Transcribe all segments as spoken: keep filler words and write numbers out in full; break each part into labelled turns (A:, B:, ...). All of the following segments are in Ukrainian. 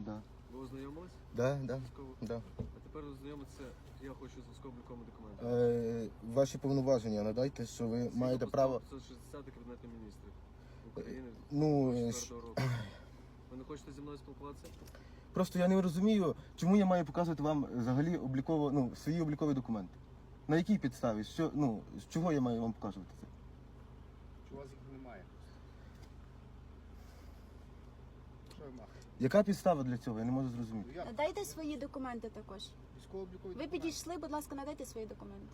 A: Да.
B: Ви ознайомились?
A: Да, да,
B: Військово?
A: да.
B: А тепер ознайомитися, я хочу з військово-обліковими документами.
A: Е, ваші повноваження надайте, що ви маєте право.
B: п'ятсот шістдесят Кабінету міністрів України
A: Ну,
B: двадцять
A: щ-
B: четвертого року. Ви не хочете зі мною спілкуватися?
A: Просто я не розумію, чому я маю показувати вам взагалі обліково, ну, свої облікові документи. На якій підставі? Що, ну, з чого я маю вам показувати це?
C: Чи у вас їх немає? Що ви махаєте?
A: Яка підстава для цього? Я не можу зрозуміти.
C: Ну, як?
D: Надайте свої документи також.
C: Військово-облікові
D: Ви
C: документи.
D: підійшли, будь ласка, надайте свої документи.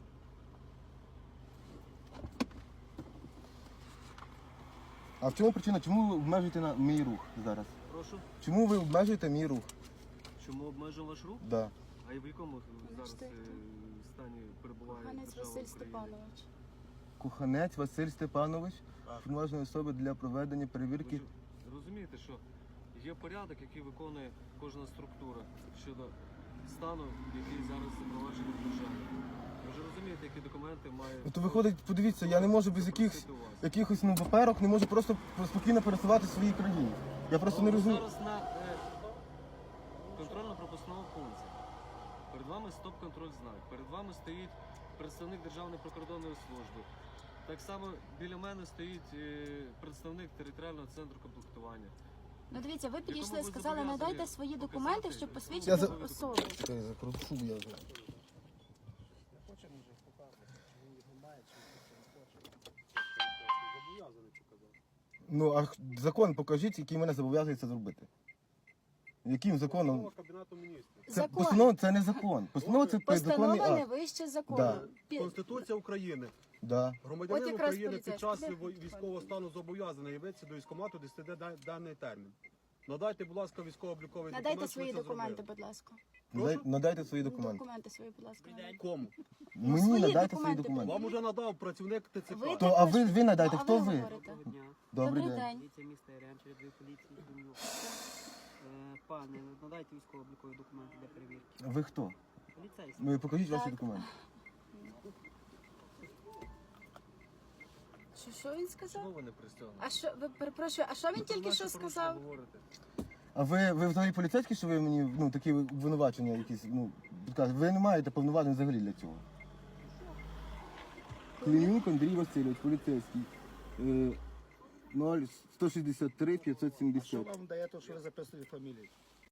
A: А в чому причина? Чому ви обмежуєте на мій рух зараз?
B: Прошу.
A: Чому ви обмежуєте мій рух?
B: Чому обмежуємо ваш рух?
A: Да.
B: А і в якому зараз
D: що
B: е,
D: це?
B: стані перебуває
D: Коханець
B: держава
D: Василь
B: Україна?
D: Степанович.
A: Коханець Василь Степанович,
C: Так.
A: повноважної особи для проведення перевірки.
B: Ви ж розумієте, що є порядок, який виконує кожна структура щодо стану, який зараз запроваджений в державі. Ви ж розумієте, які документи має...
A: Ну, то виходить, подивіться, я не можу без якихось
B: запросити у вас.
A: якихось ну, паперок, не можу просто спокійно пересувати в своїй країні. Я просто не
B: Ви
A: розумію.
B: зараз на е, контрольно-пропускному пункті. Перед вами стоп-контроль знак. Перед вами стоїть представник Державної прикордонної служби. Так само біля мене стоїть е, представник територіального центру комплектування.
D: Ну дивіться, ви підійшли,
B: ви
D: сказали,
B: зобов'язані
D: надайте свої
B: показати
D: документи, щоб
A: Я
D: посвідчити
A: за-
D: особу.
A: Чекай, закручу я. вже.
C: Хочемо вже показувати, чи він їх немає, чи він не хоче. Зобов'язаний показати.
A: Ну, а х- закон покажіть, який мене зобов'язує це зробити. Яким законом?
C: Постанова Кабінету міністрів.
A: Це
D: Закон.
A: постанова це не закон. Постанова це підзаконний
D: Постанова не
A: акт.
D: вище
A: Да.
D: закону. Пі-
C: Конституція України.
A: Да.
C: Громадянин
D: От якраз
C: України під
D: поліцейський.
C: час
D: Де
C: вій-
D: тут
C: військового стану зобов'язаний явитися до військкомату, де сиде да- даний термін. Надайте, будь ласка, військово-обліковий документ.
D: Надайте
C: що
D: свої
C: ви це
D: документи,
C: зробили.
D: будь ласка.
A: Надай- Надайте свої документи.
D: Документи свої, будь ласка. надайте.
C: Кому?
A: Мені
D: свої
A: надайте свої
D: документи
A: документи.
C: Вам уже надав працівник ТЦК.
D: Ви
A: То, а ви, ви надайте,
D: Ну, а
A: хто ви?
D: говорите?
E: Доброго дня.
A: Добрий
D: Добрий
A: день.
D: день.
E: Поліція міста Яремче, рядовий поліції Думлюк. Е, Пане, надайте військово-облікові документи для перевірки.
A: Ви хто?
E: Поліцейський.
A: Ви покажіть ваші
D: Так.
A: документи.
D: Що, що він сказав?
B: Чого ви не пристягнуті?
D: А що, ви перепрошую, а що він тільки
B: Наші
D: що
B: порушення
D: сказав?
B: говорите.
A: А ви, ви взагалі поліцейські, що ви мені ну, такі обвинувачення якісь, ну, підказуєте? Ви не маєте повноважень взагалі для цього. Климюк Андрій Васильович, поліцейський. Е, ноль сто шістдесят три п'ятсот
C: Що
A: сімдесят.
C: вам дає те, що ви записуєте фамілію?